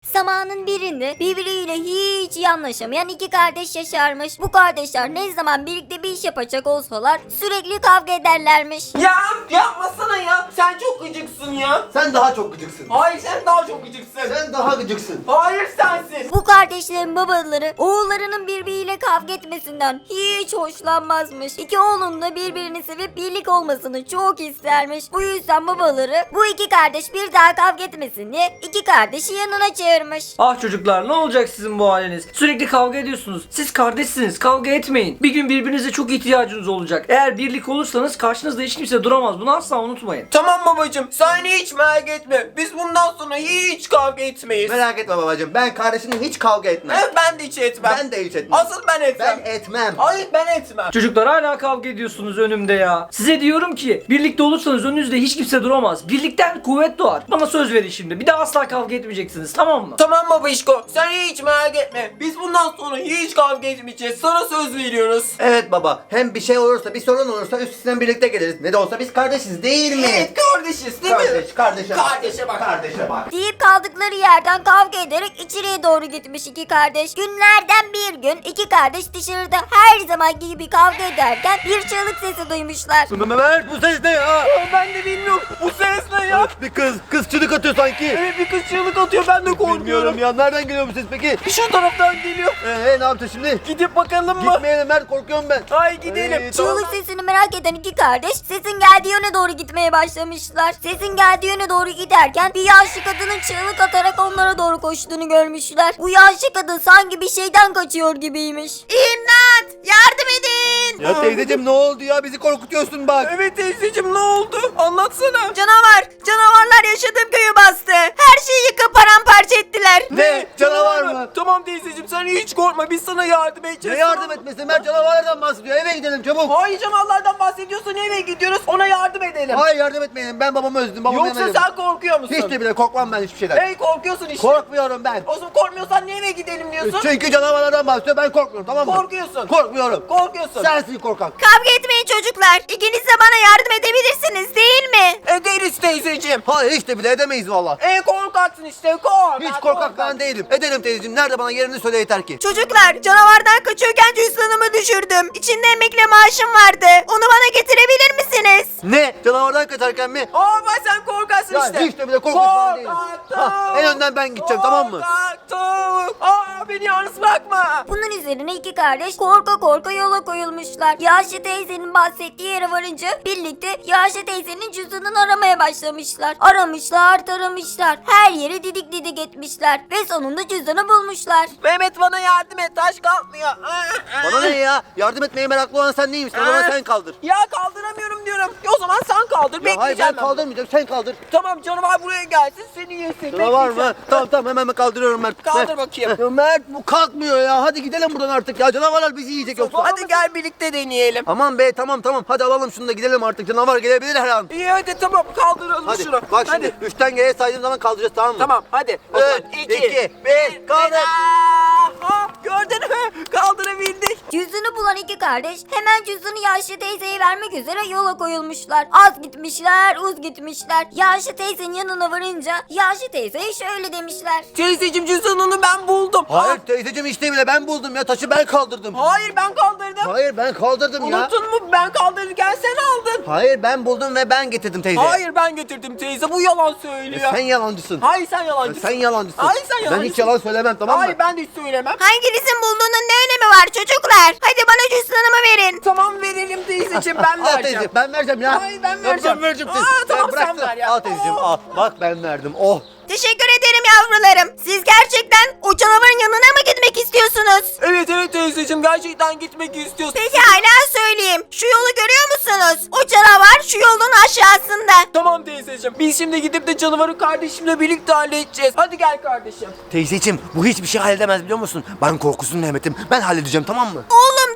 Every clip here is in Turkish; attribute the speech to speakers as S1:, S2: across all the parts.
S1: Zamanın birinde birbiriyle hiç iyi anlaşamayan iki kardeş yaşarmış. Bu kardeşler ne zaman birlikte bir iş yapacak olsalar sürekli kavga ederlermiş.
S2: Ya yapmasana ya. Sen çok gıcıksın ya.
S3: Sen daha çok gıcıksın.
S2: Hayır sen daha çok gıcıksın.
S3: Sen daha gıcıksın.
S2: Hayır sensin.
S1: Bu kardeşlerin babaları oğullarının birbiriyle kavga etmesinden hiç hoşlanmazmış. İki oğlun da birbirini sevip birlik olmasını çok istermiş. Bu yüzden babaları bu iki kardeş bir daha kavga etmesin diye iki kardeşi yanına çağırmış.
S4: Ah çocuklar, ne olacak sizin bu haliniz? Sürekli kavga ediyorsunuz. Siz kardeşsiniz, kavga etmeyin. Bir gün birbirinize çok ihtiyacınız olacak. Eğer birlik olursanız karşınızda hiç kimse duramaz. Bunu asla unutmayın.
S2: Tamam babacım, sen hiç merak etme. Biz bundan sonra hiç kavga etmeyiz.
S3: Merak etme babacığım. Ben kardeşimle hiç kavga etmem.
S2: Evet, ben de hiç etmem.
S3: Ben de hiç etmem.
S2: Asıl ben etmem.
S3: Ben etmem.
S2: Hayır ben etmem.
S4: Çocuklar hala kavga ediyorsunuz önümde ya. Size diyorum ki birlikte olursanız önünüzde hiç kimse duramaz. Birlikten kuvvet doğar. Bana söz verin şimdi. Bir daha asla kavga etmeyeceksiniz, tamam mı?
S2: Tamam babişko, sen hiç merak etme. Biz bundan sonra hiç kavga etmeyeceğiz. Sana söz veriyoruz.
S3: Evet baba. Hem bir şey olursa, bir sorun olursa üstesinden birlikte geliriz. Ne de olsa biz kardeşiz değil mi?
S2: Evet kardeşiz değil mi?
S3: Kardeşe bak.
S2: Kardeşe bak.
S3: Kardeşe bak.
S1: Deyip kaldıkları yerden kavga ederek içeriye doğru gitmiş iki kardeş. Günlerden bir gün iki kardeş dışarıda her zamanki gibi kavga ederken bir çığlık sesi duymuşlar.
S3: Mert, bu ses ne ya?
S2: Ben de bilmiyorum. Bu ses ne ya?
S3: Bir kız çığlık atıyor sanki.
S2: Evet, bir kız çığlık atıyor, ben de korkuyorum.
S3: Bilmiyorum ya. Nereden geliyor bu ses peki?
S2: Şu taraftan geliyor.
S3: Ne yaptın şimdi?
S2: Gidip bakalım mı?
S3: Gitmeyelim Mert, korkuyorum ben.
S2: Hayır gidelim.
S1: Çığlık sesini merak eden iki kardeş sesin geldiği yöne doğru gitmeye başlamışlar. Sesin geldiği yöne doğru giderken bir yaşlı kadının çığlık atarak onlara doğru koştuğunu görmüşler. Bu yaşlı kadın sanki bir şeyden kaçıyor gibiymiş. İmdat! Yardım edin!
S3: Ya teyzeciğim ne oldu ya? Bizi korkutuyorsun bak.
S2: Evet teyzeciğim, ne oldu? Anlatsana.
S1: Canavarlar yaşadığım köyü bastı. Her şeyi yıkıp paramparça ettiler.
S3: Ne? Canavar mı?
S2: Tamam teyzeciğim, sen hiç korkma, biz sana yardım edeceğiz.
S3: Ne yardım etmesi? Mert canavarlardan bahsediyor. Eve gidelim çabuk.
S2: Hayır, canavarlardan bahsediyorsun, eve gidiyoruz, ona yardım edelim.
S3: Hayır yardım etmeyelim. Ben babamı özledim. Babamı
S2: Yoksa
S3: yemedim.
S2: sen korkuyor musun?
S3: Hiç de bile korkmam ben hiçbir şeyden.
S2: Hey, korkuyorsun işte.
S3: Korkmuyorum ben.
S2: O zaman korkmuyorsan niye eve gidelim diyorsun?
S3: Çünkü canavarlardan bahsediyor. Ben korkmuyorum, tamam mı?
S2: Korkuyorsun.
S3: Korkmuyorum.
S2: Korkuyorsun.
S3: Sensin korkak.
S1: Kavga etmeyin çocuklar. İkiniz de bana yardım edebilirsiniz değil mi?
S2: Ederiz teyzeciğim.
S3: Hayır hiç de bile edemeyiz valla.
S2: Korkaksın işte, kork.
S3: Hiç korkak ben değilim. Edelim teyzeciğim. Nerede, bana yerini söyle yeter ki.
S1: Çocuklar, canavardan kaçıyorken cüzdanımı düşürdüm. İçinde emekli maaşım vardı. Onu bana getirebilir misiniz?
S3: Ne? Canavardan kaçarken mi?
S2: Bak sen korkaksın
S3: Ya
S2: işte.
S3: hiç de bile korkak falan değilim. En önden ben gideceğim, tamam mı?
S2: Korkak. Beni yalnız bırakma.
S1: Bunun üzerine iki kardeş korka korka yola koyulmuşlar. Yaşlı teyzenin bahsettiği yere varınca birlikte Yaşlı teyzenin cüzdanını aramaya başlamışlar. Aramışlar, taramışlar. Her yeri didik didik etmişler. Ve sonunda cüzdanı bulmuşlar.
S2: Mehmet bana yardım et, taş kalkmıyor.
S3: Bana ne ya? Yardım etmeye meraklı olan sen neymişsin? O zaman sen kaldır.
S2: Ya kaldıramıyorum diyorum. O zaman sen kaldır.
S3: Ya hayır,
S2: Bekleyeceğim
S3: ben kaldırmayacağım. Sen kaldır.
S2: Tamam, canavar buraya gelsin, seni yesin.
S3: Canavar mı?
S2: Bekleyeceğim.
S3: Tamam hemen ben kaldırıyorum Mert.
S2: Kaldır
S3: Mert.
S2: bakayım.
S3: Ya Mert bu kalkmıyor ya. Hadi gidelim buradan artık ya. Canavarlar bizi yiyecek yoksa.
S2: Hadi gel birlikte deneyelim.
S3: Aman be, tamam. Hadi alalım şunu da gidelim artık. Canavar gelebilir her an.
S2: İyi hadi tamam, kaldıralım
S3: Hadi
S2: şunu.
S3: bak
S2: Hadi.
S3: şimdi 3'ten geriye saydığım zaman kaldıracağız, tamam mı?
S2: Tamam hadi.
S3: 3, 2, 1, kaldır.
S2: Gördün mü? Kaldırabildik.
S1: Cüzdanı bulan iki kardeş hemen cüzdanı Yaşlı teyzeye vermek üzere yola koyulmuşlar. Az gitmişler, uz gitmişler. Yaşlı teyzenin yanına varınca Yaşlı teyzeye şöyle demişler.
S2: Teyzeciğim, cüzdanını ben buldum.
S3: Hayır teyzeciğim, işte bile ben buldum ya. Taşı ben kaldırdım.
S2: Hayır, ben kaldırdım.
S3: Hayır ben kaldırdım ya.
S2: Unuttun mu? Ben kaldırırken sen aldın.
S3: Hayır ben buldum ve ben getirdim teyze.
S2: Hayır, ben getirdim teyze. Bu yalan söylüyor.
S3: Sen yalancısın.
S2: Hayır, sen yalancısın.
S3: Sen yalancısın.
S2: Hayır, sen
S3: Ben
S2: yalancısın.
S3: hiç yalan söylemem, tamam mı?
S2: Hayır, ben de hiç söylemem.
S1: Hanginizin bulduğunun ne önemi var çocuklar? Hadi bana cüzdanımı verin.
S2: Tamam, verelim teyzeciğim, ben
S3: Al
S2: vereceğim.
S3: teyze, ben vereceğim ya.
S2: Hayır, ben
S3: Ya
S2: vereceğim.
S3: Ben vereceğim
S2: Aa,
S3: teyze.
S2: tamam,
S3: Ya bırak
S2: sen
S3: da-
S2: ver ya.
S3: Al teyzeciğim al. Bak ben verdim. Oh.
S1: Teşekkür ederim yavrularım. Siz gerçekten o canavarın yanına mı gitmek istiyorsunuz?
S2: Evet teyzeciğim, gerçekten gitmek istiyorsun.
S1: Peki hala söyleyeyim. Şu yolu görüyor musunuz? O canavar şu yolun aşağısında.
S2: Tamam teyzeciğim, biz şimdi gidip de canavarı kardeşimle birlikte halledeceğiz. Hadi gel kardeşim.
S3: Teyzeciğim bu hiçbir şey halledemez biliyor musun? Ben korkusuz Mehmet'im. Ben halledeceğim, tamam mı?
S1: Oğlum durun.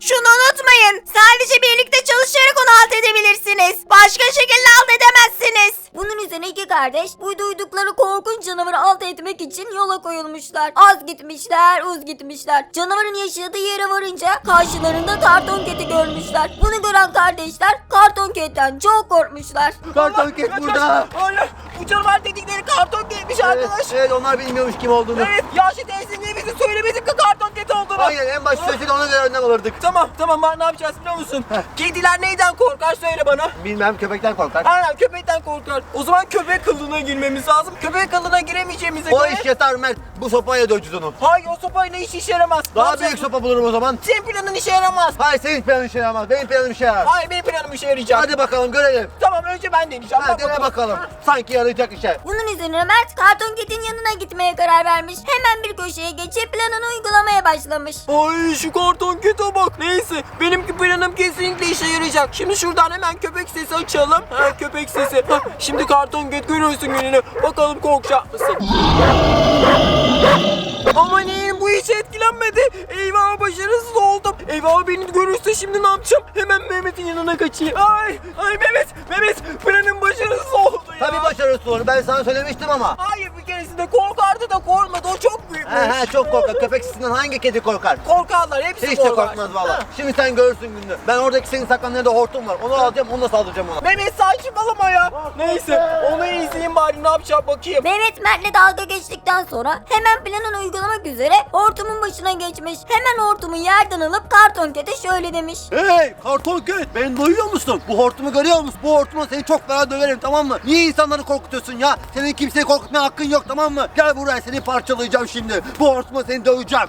S1: Şunu unutmayın. Sadece birlikte çalışarak onu alt edebilirsiniz. Başka şekilde alt edemezsiniz. Bunun üzerine iki kardeş bu duydukları korkunç canavarı alt etmek için yola koyulmuşlar. Az gitmişler, uz gitmişler. Canavarın yaşadığı yere varınca karşılarında Kartonkett'i görmüşler. Bunu gören kardeşler Kartonkett'ten çok korkmuşlar.
S3: Kartonket burada.
S2: Hayır. Bu canavar dedikleri Kartonkett'miş arkadaş.
S3: Evet onlar bilmiyormuş kim olduğunu.
S2: Evet. Yaşlı teyze niye bize söylemedik ki Kartonket olduğunu?
S3: Aynen en başta söyleseydi ona göre önlem alırdık.
S2: Tamam ne yapacağız biliyor musun? Kediler neyden korkar söyle bana.
S3: Bilmem köpekten korkar.
S2: Aynen köpekten korkar. O zaman köpek kılığına girmemiz lazım. Köpek kılığına giremeyeceğimize
S3: O
S2: göre...
S3: iş yatar Mert. Bu sopayla döveceğiz onu.
S2: Hayır o sopayla hiç işe yaramaz. Ne
S3: Daha
S2: yapacağız?
S3: büyük sopa bulurum o zaman.
S2: Senin planın işe yaramaz.
S3: Hayır senin planın işe yaramaz. Benim planım işe yarar.
S2: Hayır benim planım işe yarayacak.
S3: Hadi bakalım görelim.
S2: Tamam önce ben deneyeceğim.
S3: Hadi dene bakalım. Sanki yarayacak işe.
S1: Bunun üzerine Mert Kartonkett'in yanına gitmeye karar vermiş. Hemen bir köşeye geçip planını uygulamaya başlamış.
S2: Ay şu Kartonket'e bak. Neyse benimki planım kesinlikle işe yarayacak. Şimdi şuradan hemen köpek sesi açalım. Ha köpek sesi. Ha, şimdi Kartonket görüyorsun gününü. Bakalım korkacak mısın? Aman iyiyim bu hiç etkilenmedi. Eyvah başarısız oldum. Eyvah beni görürse şimdi ne yapacağım? Hemen Mehmet'in yanına kaçayım. Ay Mehmet planım başarısız oldu ya.
S3: Tabii başarısız olur. Ben sana söylemiştim ama.
S2: Hayır bir keresinde korkardı da korkmadı. O çok büyükmüş.
S3: He çok korkar. Köpek sesinden hangi kedi korkar?
S2: Korkarlar hepsi
S3: Hiç de
S2: korkar.
S3: korkmaz valla.
S2: Ha.
S3: Şimdi sen görürsün gününü. Ben oradaki senin saklandığın yerde hortum var. Onu alacağım, onunla saldıracağım ona.
S2: Mehmet saçmalama ya. Neyse onu izleyeyim bari ne yapacak bakayım.
S1: Mehmet Mert'le dalga geçtikten sonra hemen planını uygulamak üzere hortumun başına geçmiş. Hemen hortumu yerden alıp Kartonkett'e şöyle demiş.
S3: Hey Kartonket, beni duyuyor musun? Bu hortumu görüyor musun? Bu hortumla seni çok fena döverim, tamam mı? Niye insanları korkutuyorsun ya? Senin kimseyi korkutmaya hakkın yok, tamam mı? Gel buraya, seni parçalayacağım şimdi. Bu hortumla seni döveceğim.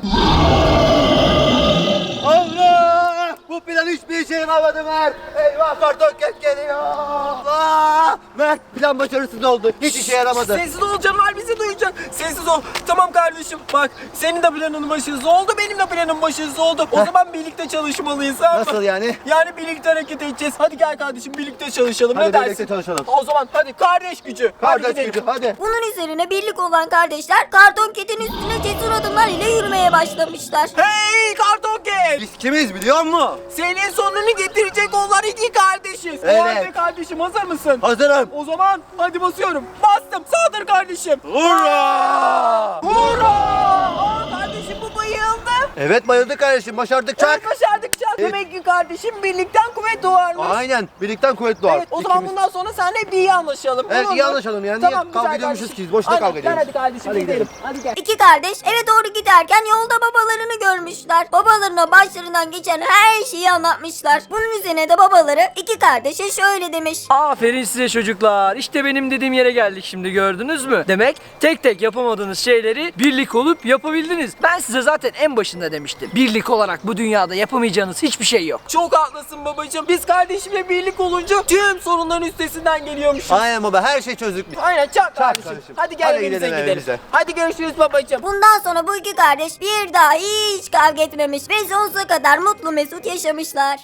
S3: Allah! Bu plan hiçbir işe yaramadı Mert. Eyvah Kartonket geliyor. Allah! Mert plan başarısız oldu. Hiç işe yaramadı.
S2: Sessiz ol canavar bizi duyacak. Sessiz ol. Tamam kardeşim bak senin de planın başarısız oldu benim de planım başarısız oldu. O zaman birlikte çalışmalıyız. Tamam mı?
S3: Nasıl yani?
S2: Yani birlikte hareket edeceğiz. Hadi gel kardeşim birlikte çalışalım.
S3: Hadi
S2: ne dersin?
S3: birlikte çalışalım.
S2: O zaman hadi kardeş gücü. Hadi
S3: Kardeş
S2: gidelim.
S3: gücü, hadi.
S1: Bunun üzerine birlik olan kardeşler Kartonkett'in üstüne cesur adımlar ile yürümeye başlamışlar.
S2: Hey Kartonket!
S3: Biz kimiz biliyor musun?
S2: Senin sonunu getirecek olan iki kardeşiz.
S3: Evet.
S2: O halde kardeşim hazır mısın?
S3: Hazırım.
S2: O zaman hadi basıyorum. Bastım. Sağdır kardeşim.
S3: Hurra!
S2: Hurra! Aa, kardeşim bu bayıldı.
S3: Evet bayıldık kardeşim, başardık çak.
S2: Evet başardık çak.
S3: Evet.
S2: Demek ki kardeşim birlikten kuvvet doğarmış.
S3: Aynen, birlikten kuvvet doğar.
S2: Evet o zaman
S3: İkimiz-
S2: bundan sonra seninle bir iyi anlaşalım.
S3: Evet,
S2: olur
S3: iyi
S2: mu?
S3: anlaşalım yani.
S2: Tamam,
S3: Niye kavga
S2: güzel
S3: ediyormuşuz
S2: kardeşim.
S3: ki? Boşuna
S2: Aynen,
S3: kavga ediyoruz.
S2: Gel hadi kardeşim
S3: Hadi
S2: gidelim.
S3: gidelim.
S2: Hadi gel.
S1: İki kardeş eve doğru giderken yolda babalarını görmüşler. Babalarına başlarından geçen her şeyi anlatmışlar. Bunun üzerine de babaları iki kardeşe şöyle demiş.
S4: Aferin size çocuklar. İşte benim dediğim yere geldik şimdi, gördünüz mü? Demek tek tek yapamadığınız şeyleri birlik olup yapabildiniz. Ben size zaten en başında demiştim. Birlik olarak bu dünyada yapamayacağınız hiçbir şey yok.
S2: Çok haklısın babacığım. Biz kardeşimle birlik olunca tüm sorunların üstesinden geliyormuşuz.
S3: Aynen baba, her şey çözdük biz.
S2: Aynen çak kardeşim.
S3: kardeşim.
S2: Hadi gel
S3: Hadi
S2: evimize
S3: gidelim
S2: gidelim.
S3: evimize.
S2: Hadi görüşürüz babacığım.
S1: Bundan sonra bu iki kardeş bir daha hiç kavga etmemiş ve sonsuza kadar mutlu mesut yaşamışlar.